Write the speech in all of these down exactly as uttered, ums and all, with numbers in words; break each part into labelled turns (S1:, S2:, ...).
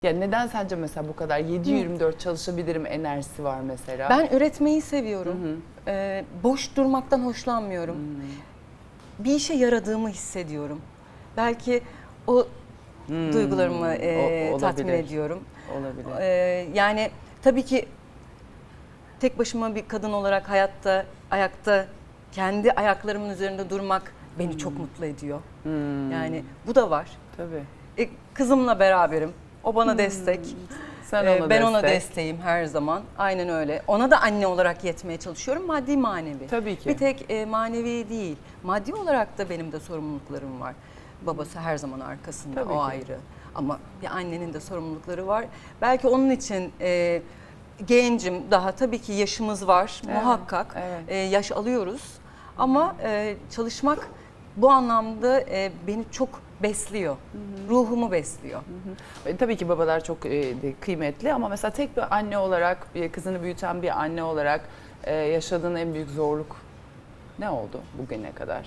S1: Ya neden sence mesela bu kadar yedi yirmi dört çalışabilirim enerjisi var mesela?
S2: Ben üretmeyi seviyorum.
S1: Hı hı.
S2: Ee, boş durmaktan hoşlanmıyorum.
S1: Hmm.
S2: Bir işe yaradığımı hissediyorum. Belki o
S1: Hmm.
S2: duygularımı e,
S1: O-
S2: tatmin
S1: olabilir.
S2: ediyorum.
S1: Olabilir.
S2: Ee, yani tabii ki tek başıma bir kadın olarak hayatta, ayakta, kendi ayaklarımın üzerinde durmak beni çok mutlu ediyor.
S1: Hmm.
S2: Yani bu da var.
S1: Tabii.
S2: E, kızımla beraberim. O bana destek.
S1: Sen
S2: Ee,
S1: ona
S2: ben
S1: destek.
S2: ona desteğim her zaman. Aynen öyle. Ona da anne olarak yetmeye çalışıyorum. Maddi manevi.
S1: Tabii ki.
S2: Bir tek e, manevi değil. Maddi olarak da benim de sorumluluklarım var. Babası her zaman arkasında.
S1: Tabii
S2: o
S1: ki.
S2: ayrı. Ama bir annenin de sorumlulukları var. Belki onun için e, gencim daha. Tabii ki yaşımız var.
S1: Evet,
S2: Muhakkak.
S1: evet.
S2: E, yaş alıyoruz. Ama e, çalışmak bu anlamda e, beni çok besliyor. Ruhumu besliyor.
S1: E, tabii ki babalar çok e, de kıymetli ama mesela tek bir anne olarak, bir kızını büyüten bir anne olarak e, yaşadığın en büyük zorluk ne oldu bugüne kadar?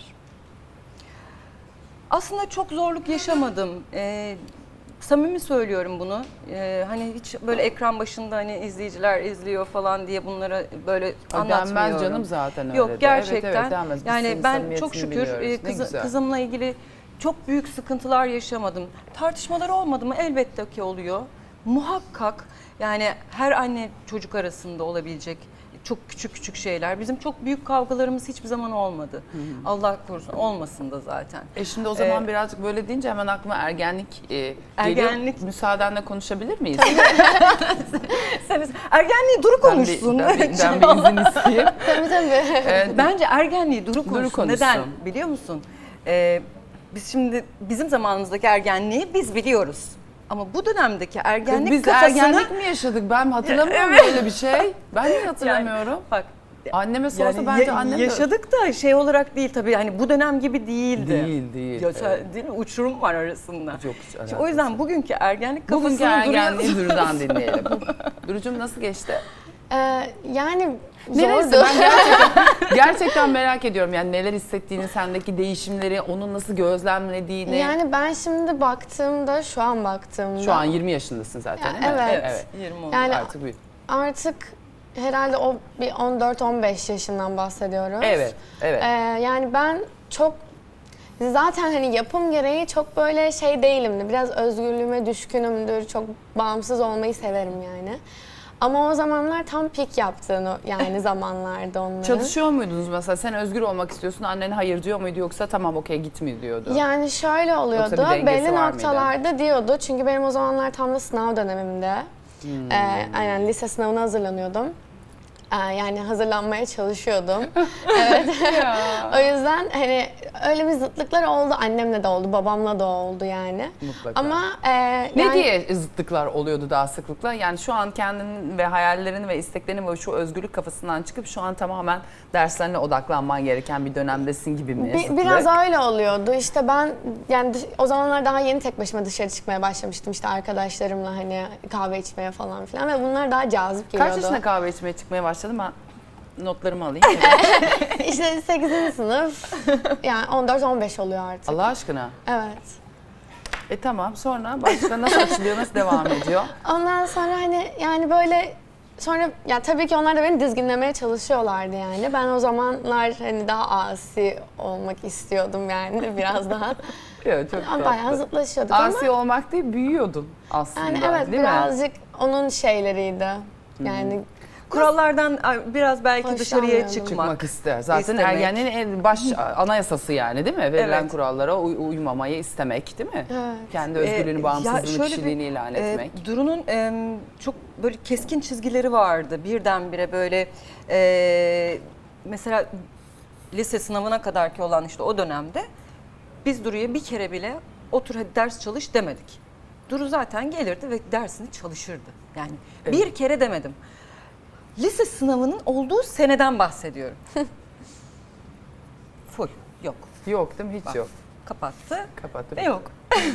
S2: Aslında çok zorluk yaşamadım. Ee, samimi söylüyorum bunu. Ee, hani hiç böyle ekran başında hani izleyiciler izliyor falan diye bunlara böyle
S1: Ay,
S2: anlatmıyorum.
S1: denmez canım zaten öyle
S2: Yok
S1: de.
S2: gerçekten.
S1: Evet, evet, denmez. Biz
S2: Yani
S1: senin
S2: ben
S1: samimiyetini
S2: çok şükür
S1: biliyoruz.
S2: e,
S1: Ne
S2: kızı-
S1: güzel.
S2: kızımla ilgili çok büyük sıkıntılar yaşamadım. Tartışmalar olmadı mı? Elbette ki oluyor. Muhakkak yani her anne çocuk arasında olabilecek çok küçük küçük şeyler. Bizim çok büyük kavgalarımız hiçbir zaman olmadı. Allah korusun olmasın da zaten.
S1: E şimdi o zaman
S2: Ee,
S1: birazcık böyle deyince hemen aklıma ergenlik e, geliyor.
S2: Ergenlik.
S1: Müsaadenle konuşabilir miyiz?
S2: Sen ergenliği duru
S1: Ben bir,
S2: konuşsun.
S1: ben bir, ben bir izin isteyeyim.
S3: Tabii tabii.
S1: E,
S2: Bence ergenliği duru konuşsun.
S1: konuşsun.
S2: Neden biliyor musun? Ee, biz şimdi bizim zamanımızdaki ergenliği biz biliyoruz. Ama bu dönemdeki ergenlik
S1: Biz
S2: kafasını...
S1: ergenlik mi yaşadık? Ben hatırlamıyorum böyle bir şey. Ben de hatırlamıyorum.
S2: Yani, bak
S1: Anneme sorsa
S2: yani
S1: bence
S2: ya-
S1: annem de...
S2: yaşadık da şey olarak değil tabii hani bu dönem gibi değildi.
S1: Değil, değil.
S2: Ya,
S1: Evet.
S2: değil mi? Uçurum var arasında.
S1: Çok hiç
S2: Şimdi o yüzden
S1: alakası.
S2: bugünkü ergenlik kafasını
S1: Bugünkü ergenliği
S2: duruyor.
S1: Duru'dan dinleyelim. Duru'cum nasıl geçti?
S3: Ee, yani
S1: Neresi?
S3: zordu.
S1: Ben gerçekten, gerçekten merak ediyorum. Yani neler hissettiğini, sendeki değişimleri, onun nasıl gözlemlediğini.
S3: Yani ben şimdi baktığımda, şu an baktığımda
S1: Şu an yirmi yaşındasın zaten
S3: Ya,
S1: değil mi?
S3: evet.
S1: evet.
S2: yirmi oldu.
S3: Yani
S1: Artık büyüdün.
S3: artık herhalde o bir on dört on beş yaşından bahsediyoruz.
S1: Evet, evet.
S3: Ee, yani ben çok zaten hani yapım gereği çok böyle şey değilimdi. Biraz özgürlüğüme düşkünümdür. Çok bağımsız olmayı severim yani. Ama o zamanlar tam pik yaptığını yani zamanlarda onların.
S1: Çalışıyor muydunuz mesela? Sen özgür olmak istiyorsun, annen hayır diyor muydu yoksa tamam okey git mi diyordu?
S3: Yani şöyle oluyordu,
S1: Yoksa bir dengesi
S3: belli
S1: var mıydı?
S3: noktalarda diyordu. Çünkü benim o zamanlar tam da sınav dönemimde.
S1: Hmm.
S3: Ee, aynen lise sınavına hazırlanıyordum. Ee, yani hazırlanmaya çalışıyordum. Evet. O yüzden hani öyle bir zıtlıklar oldu. Annemle de oldu, babamla da oldu yani.
S1: Mutlaka.
S3: Ama e,
S1: Ne
S3: yani,
S1: diye zıtlıklar oluyordu daha sıklıkla? Yani şu an kendinin ve hayallerini ve isteklerini ve şu özgürlük kafasından çıkıp şu an tamamen derslerine odaklanman gereken bir dönemdesin gibi mi?
S3: bi-
S1: zıtlık?
S3: biraz öyle oluyordu. İşte ben yani dış- o zamanlar daha yeni tek başıma dışarı çıkmaya başlamıştım. İşte arkadaşlarımla hani kahve içmeye falan filan ve bunlar daha cazip geliyordu.
S1: Kaç yaşında kahve içmeye çıkmaya başladın? Ben notlarımı alayım.
S3: İşte sekizinci sınıf yani on dört on beş oluyor artık.
S1: Allah aşkına.
S3: Evet.
S1: E tamam, sonra başka nasıl açılıyor, nasıl devam ediyor?
S3: Ondan sonra hani yani böyle sonra ya tabii ki onlar da beni dizginlemeye çalışıyorlardı yani. Ben o zamanlar hani daha asi olmak istiyordum yani biraz daha.
S1: Evet, çok
S3: Ama
S1: tatlı.
S3: bayağı zıtlaşıyorduk
S1: Asi
S3: ama
S1: olmak değil, büyüyordun aslında.
S3: yani evet
S1: değil mi?
S3: birazcık onun şeyleriydi. Yani
S2: Kurallardan biraz belki dışarıya
S3: Hoşlanmıyordum.
S2: çıkmak.
S1: Çıkmak ister. Zaten
S2: İstemek.
S1: ergenliğin en baş anayasası yani değil mi? Verilen
S2: Evet.
S1: kurallara uy- uymamayı istemek değil mi?
S3: Evet.
S1: Kendi özgürlüğünü,
S2: Ee,
S1: bağımsızlığını,
S2: ya şöyle
S1: kişiliğini
S2: bir,
S1: ilan
S2: e,
S1: etmek.
S2: Duru'nun e, çok böyle keskin çizgileri vardı. Birdenbire böyle e, mesela lise sınavına kadarki olan işte o dönemde biz Duru'ya bir kere bile otur hadi ders çalış demedik. Duru zaten gelirdi ve dersini çalışırdı. Yani
S1: Evet.
S2: bir kere demedim. Lise sınavının olduğu seneden bahsediyorum. Full. Yok.
S1: Yok değil mi? Hiç
S2: Bak.
S1: yok.
S2: Kapattı.
S1: Kapattım.
S2: Ne yok.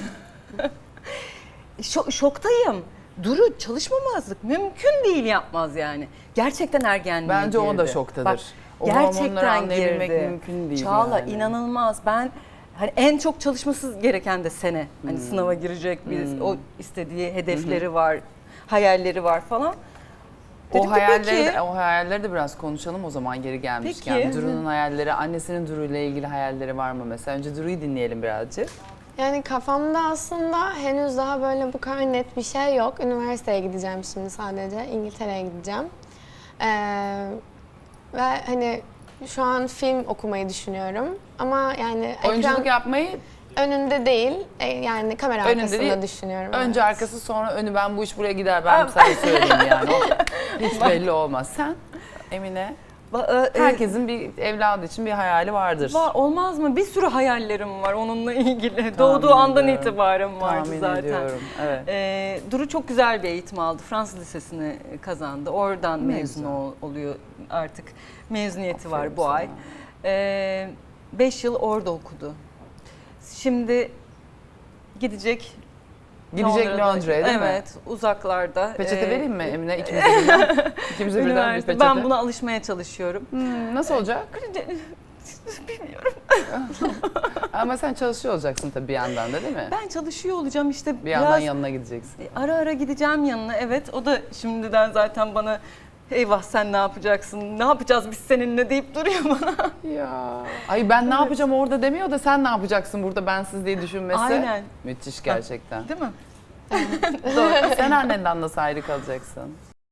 S2: Şo- şoktayım. Duru çalışmamazlık mümkün değil yapmaz yani. Gerçekten ergenliğe
S1: Bence
S2: girdi.
S1: o da şoktadır.
S2: Bak,
S1: O hormonları
S2: gerçekten
S1: anlayabilmek
S2: girdi.
S1: mümkün değil
S2: Çağla
S1: yani.
S2: inanılmaz. Ben hani en çok çalışması gereken de sene. Hani
S1: Hmm.
S2: sınava girecek, biz
S1: Hmm.
S2: o istediği hedefleri var, hayalleri var falan.
S1: O
S2: Dedim ki
S1: hayalleri,
S2: peki.
S1: de, o hayalleri de biraz konuşalım o zaman geri gelmişken.
S2: Peki.
S1: Duru'nun hayalleri, annesinin Duru ile ilgili hayalleri var mı mesela? Önce Duru'yu dinleyelim birazcık.
S3: Yani kafamda aslında henüz daha böyle bu kadar net bir şey yok. Üniversiteye gideceğim şimdi sadece. İngiltere'ye gideceğim. Ee, ve hani şu an film okumayı düşünüyorum. Ama yani
S1: Oyunculuk
S3: ekran
S1: yapmayı
S3: önünde değil, e, yani kamera
S1: Önünde
S3: arkasında
S1: değil,
S3: düşünüyorum.
S1: önce
S3: evet.
S1: arkası sonra önü, ben bu iş buraya gider ben sana söyleyeyim yani. O hiç belli olmaz. Sen Emine,
S2: Ba- e,
S1: herkesin bir evladı için bir hayali vardır.
S2: Var, olmaz mı? Bir sürü hayallerim var onunla ilgili. Doğduğu andan
S1: ediyorum.
S2: itibaren vardı
S1: Tahmin
S2: zaten.
S1: ediyorum. Evet.
S2: Ee, Duru çok güzel bir eğitim aldı. Fransız Lisesi'ni kazandı. Oradan
S1: Ne
S2: mezun
S1: güzel.
S2: ol- oluyor artık. Mezuniyeti var
S1: Aferin
S2: bu
S1: sana.
S2: ay. Ee, beş yıl orada okudu. Şimdi gidecek
S1: Gidecek
S2: Londra'da-
S1: Londra'ya değil mi?
S2: Evet, uzaklarda.
S1: Peçete
S2: Ee,
S1: vereyim mi Emine? İkimize birden. İkimize birden bir
S2: Üniversite.
S1: peçete.
S2: Ben buna alışmaya çalışıyorum.
S1: Hmm, nasıl olacak?
S2: Bilmiyorum.
S1: Ama sen çalışıyor olacaksın tabii bir yandan da değil mi?
S2: Ben çalışıyor olacağım işte.
S1: Bir yandan
S2: biraz
S1: yanına gideceksin.
S2: ara ara gideceğim yanına. Evet, o da şimdiden zaten bana eyvah sen ne yapacaksın, ne yapacağız biz seninle deyip duruyor bana.
S1: Ya. Ay ben ne yapacağım orada demiyor da sen ne yapacaksın burada bensiz diye düşünmesi.
S2: Aynen.
S1: Müthiş gerçekten.
S2: Değil mi?
S1: Doğru. Sen annenden nasıl ayrı kalacaksın?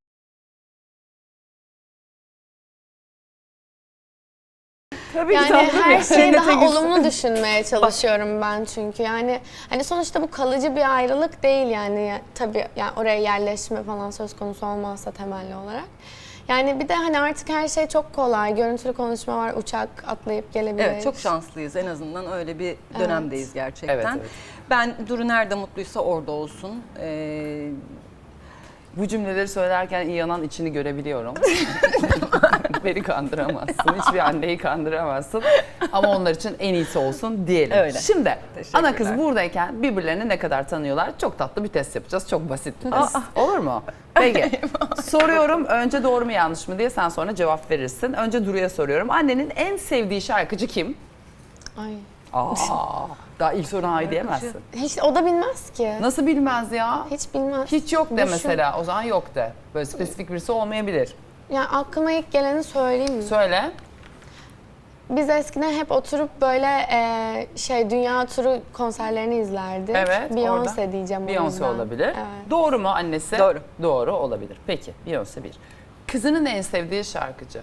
S1: Tabii
S3: Yani
S1: tatlım
S3: her
S1: ya.
S3: şeyi
S2: Cennete
S3: daha
S2: gitsin.
S3: olumlu düşünmeye çalışıyorum ben çünkü yani hani sonuçta bu kalıcı bir ayrılık değil yani Ya- tabii yani oraya yerleşme falan söz konusu olmazsa temelli olarak. Yani bir de hani artık her şey çok kolay. Görüntülü konuşma var, uçak atlayıp gelebilir.
S2: Evet, çok şanslıyız. En azından öyle bir dönemdeyiz gerçekten.
S1: Evet, evet.
S2: Ben Duru nerede mutluysa orada olsun. Ee,
S1: Bu cümleleri söylerken İyan'ın içini görebiliyorum. Beni kandıramazsın. Hiçbir anneyi kandıramazsın. Ama onlar için en iyisi olsun diyelim.
S2: Öyle.
S1: Şimdi
S2: Teşekkürler.
S1: ana kız buradayken birbirlerini ne kadar tanıyorlar? Çok tatlı bir test yapacağız. Çok basit bir test. Olur mu? Peki. Soruyorum önce doğru mu yanlış mı diye, sen sonra cevap verirsin. Önce Duru'ya soruyorum. Annenin en sevdiği şarkıcı kim?
S3: Ay.
S1: Aa, daha ilk soruna hayır diyemezsin.
S3: Hiç o da bilmez ki.
S1: Nasıl bilmez ya?
S3: Hiç bilmez.
S1: Hiç yok de
S3: Düşün.
S1: mesela. O zaman yok de. Böyle spesifik birisi olmayabilir.
S3: Yani aklıma ilk geleni söyleyeyim mi?
S1: Söyle.
S3: Biz eskiden hep oturup böyle e, şey dünya turu konserlerini izlerdik.
S1: Evet,
S3: Beyoncé
S1: orada.
S3: diyeceğim o
S1: Beyoncé
S3: yüzden.
S1: olabilir.
S3: Evet.
S1: Doğru mu annesi?
S2: Doğru.
S1: Doğru olabilir. Peki Beyoncé bir. Kızının en sevdiği şarkıcı.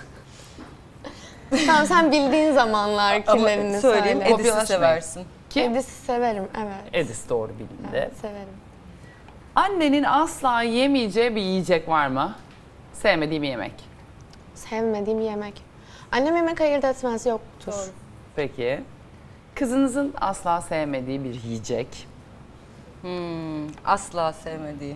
S3: Tamam sen bildiğin zamanlar
S2: ama
S3: kimlerini
S2: söyleyeyim,
S3: söyle.
S2: Edis'i
S1: Kopyalaşmayın.
S2: seversin.
S1: Kim?
S3: Edis'i severim evet.
S1: Edis doğru bilindi.
S3: Evet, severim.
S1: Annenin asla yemeyeceği bir yiyecek var mı? Sevmediği bir yemek.
S3: Sevmediğim yemek. Annem yemek ayırt etmez yoktur.
S2: Doğru.
S1: Peki. Kızınızın asla sevmediği bir yiyecek.
S2: Hmm, asla sevmediği.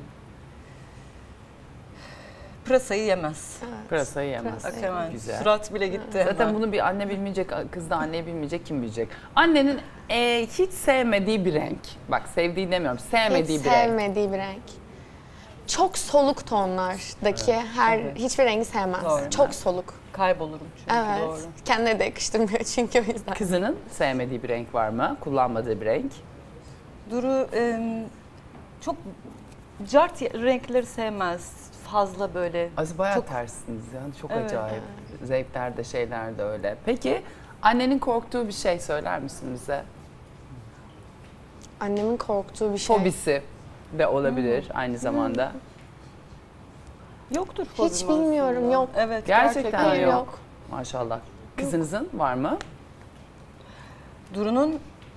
S2: Pırasayı yemez.
S3: Evet.
S1: Pırasayı yemez.
S3: Pırasa.
S2: Bak hemen
S1: Güzel.
S2: surat bile gitti.
S1: Zaten
S2: hemen.
S1: bunu bir anne bilmeyecek, kız da anneyi bilmeyecek, kim bilecek? Annenin e, hiç sevmediği bir renk. Bak sevdiği demiyorum, sevmediği
S3: Hiç
S1: bir renk.
S3: sevmediği bir renk. Çok soluk tonlardaki her
S1: Evet.
S3: hiçbir rengi sevmez.
S2: Doğru.
S3: Çok soluk.
S2: Kaybolurum çünkü
S3: Evet.
S2: doğru.
S3: Kendine de yakıştırmıyor çünkü o yüzden.
S1: Kızının sevmediği bir renk var mı? Kullanmadığı bir renk.
S2: Duru em, çok cart renkleri sevmez. Fazla böyle.
S1: Az bayağı
S2: Çok-
S1: tersiniz yani çok
S2: Evet.
S1: acayip. Zevklerde şeyler de öyle. Peki annenin korktuğu bir şey söyler misin bize?
S3: Annemin korktuğu bir şey.
S1: Fobisi de olabilir aynı zamanda.
S2: Yoktur
S3: Hiç
S2: fobim
S3: bilmiyorum,
S2: aslında.
S3: yok.
S2: Evet,
S1: Gerçekten
S2: gerçekten
S3: Hayır,
S1: yok.
S3: yok.
S1: Maşallah. Kızınızın var mı?
S2: Duru'nun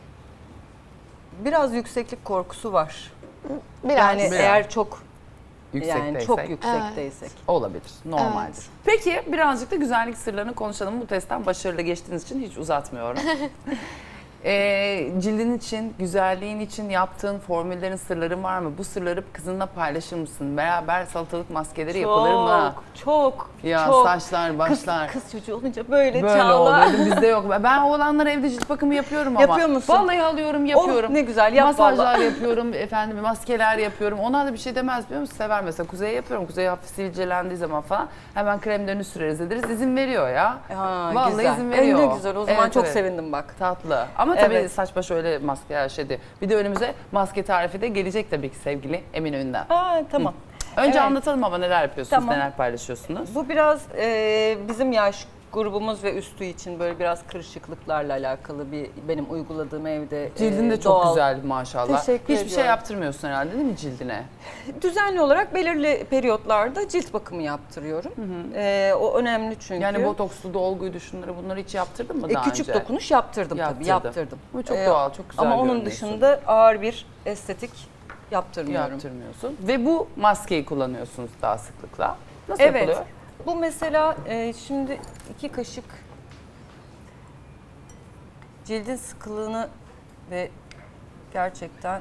S2: biraz yükseklik korkusu var.
S3: Biraz.
S2: Yani
S1: Biraz.
S2: eğer çok
S1: Yüksekteysek.
S2: yani çok yüksekteysek.
S1: Olabilir. Normal.
S3: Evet.
S1: Peki birazcık da güzellik sırlarını konuşalım. Bu testten başarılı geçtiğiniz için hiç uzatmıyorum. Ee, cildin için, güzelliğin için yaptığın formüllerin, sırların var mı? Bu sırları kızınla paylaşır mısın? Beraber salatalık maskeleri yapılır mı?
S2: Çok, çok,
S1: Ya
S2: çok.
S1: saçlar, başlar.
S2: Kız, kız çocuğu olunca böyle,
S1: Böyle
S2: Çağla.
S1: oluyordu, bizde yok. Ben oğlanlara evde cilt bakımı yapıyorum ama.
S2: Yapıyor musun?
S1: Vallahi alıyorum, yapıyorum.
S2: Oh, ne güzel, yap
S1: Masajlar
S2: vallahi.
S1: yapıyorum, efendim maskeler yapıyorum. Onlar da bir şey demez biliyor musun? Sever mesela. Kuzey'e yapıyorum. Kuzey hafif sivilcelendiği zaman falan hemen kremlerini süreriz ederiz. İzin veriyor ya.
S2: Ha,
S1: Vallahi
S2: güzel.
S1: izin
S2: E,
S1: veriyor.
S2: ne güzel, o zaman
S1: Evet,
S2: çok
S1: evet.
S2: sevindim bak.
S1: Tatlı. Ama Ama tabii
S2: Evet.
S1: saç baş öyle maske her şeydi. Bir de önümüze maske tarifi de gelecek tabii ki sevgili Eminönü'nden.
S2: Aa, tamam.
S1: Önce
S2: Evet.
S1: anlatalım ama neler yapıyorsunuz,
S2: Tamam.
S1: neler paylaşıyorsunuz.
S2: Bu biraz e, bizim yaş grubumuz ve üstü için böyle biraz kırışıklıklarla alakalı bir benim uyguladığım evde.
S1: Cildin de
S2: e,
S1: çok
S2: doğal.
S1: güzel maşallah.
S2: Teşekkür
S1: Hiçbir şey
S2: ediyorum.
S1: yaptırmıyorsun herhalde değil mi cildine?
S2: Düzenli olarak belirli periyotlarda cilt bakımı yaptırıyorum. E, o önemli çünkü.
S1: Yani botokslu, dolguydu, şunları bunları hiç yaptırdın mı
S2: E,
S1: daha
S2: küçük
S1: önce?
S2: dokunuş yaptırdım,
S1: Yaptırdım.
S2: tabii yaptırdım.
S1: Bu çok
S2: E,
S1: doğal, çok güzel
S2: Ama onun
S1: görünüyorsun.
S2: dışında ağır bir estetik yaptırmıyorum.
S1: Yaptırmıyorsun. Ve bu maskeyi kullanıyorsunuz daha sıklıkla. Nasıl
S2: Evet.
S1: yapılıyor?
S2: Bu mesela e, şimdi iki kaşık cildin sıkılığını ve gerçekten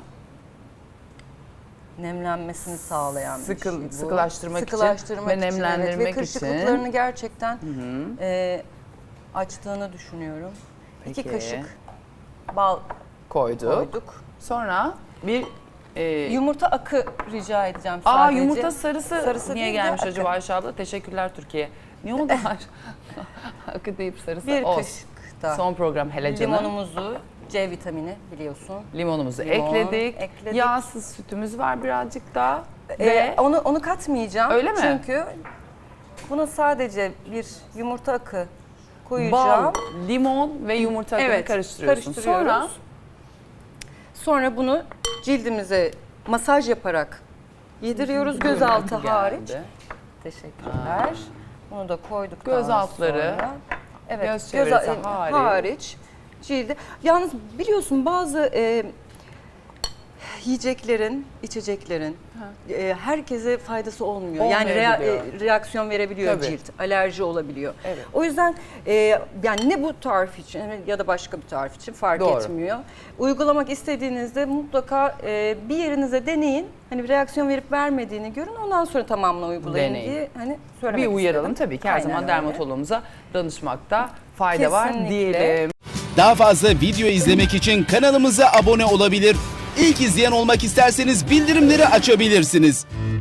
S2: nemlenmesini sağlayan bir
S1: Sıkıl-
S2: şey bu.
S1: sıkılaştırmak için
S2: Sıkılaştırmak
S1: ve
S2: için, evet.
S1: nemlendirmek
S2: Ve
S1: için.
S2: kırışıklıklarını gerçekten e, açtığını düşünüyorum.
S1: Peki.
S2: İki kaşık bal
S1: Koyduk.
S2: koyduk.
S1: Sonra bir e,
S2: Yumurta akı rica edeceğim
S1: Aa
S2: sadece.
S1: yumurta sarısı,
S2: Sarısı
S1: niye
S2: değil de
S1: gelmiş
S2: akı.
S1: acaba Ayşe abla? Teşekkürler Türkiye. Niye oldu? Akı deyip sarısı
S2: Bir
S1: olsun.
S2: kaşık da.
S1: Son program hele canım.
S2: Limonumuzu, C vitamini biliyorsun.
S1: Limonumuzu
S2: Limon
S1: ekledik.
S2: ekledik.
S1: Yağsız sütümüz var birazcık daha.
S2: Ee,
S1: Ve
S2: onu onu katmayacağım.
S1: Öyle mi?
S2: Çünkü buna sadece bir yumurta akı koyacağım.
S1: bal, limon ve yumurta akını
S2: Evet,
S1: karıştırıyorsun.
S2: karıştırıyoruz.
S1: Sonra
S2: Sonra bunu cildimize masaj yaparak yediriyoruz gözaltı
S1: geldi.
S2: hariç. Teşekkürler. Bunu da koyduktan
S1: Göz altları,
S2: sonra evet,
S1: göz çevresi
S2: e,
S1: hariç.
S2: hariç cildi. Yalnız biliyorsun bazı e, yiyeceklerin, içeceklerin e, herkese faydası olmuyor. Yani rea-
S1: Olmayabiliyor.
S2: e, reaksiyon verebiliyor
S1: Tabii.
S2: cilt, alerji olabiliyor.
S1: Evet.
S2: O yüzden e, yani ne bu tarif için ya da başka bir tarif için fark
S1: Doğru.
S2: etmiyor. Uygulamak istediğinizde mutlaka e, bir yerinize deneyin. Hani reaksiyon verip vermediğini görün. Ondan sonra tamamını uygulayın
S1: Deneyin.
S2: diye hani söylemek
S1: bir uyaralım
S2: istedim.
S1: tabii ki her
S2: Aynen
S1: zaman
S2: öyle.
S1: dermatoloğumuza danışmakta fayda var
S2: Kesinlikle.
S1: diyelim.
S4: Daha fazla video izlemek için kanalımıza abone olabilir. İlk izleyen olmak isterseniz bildirimleri açabilirsiniz.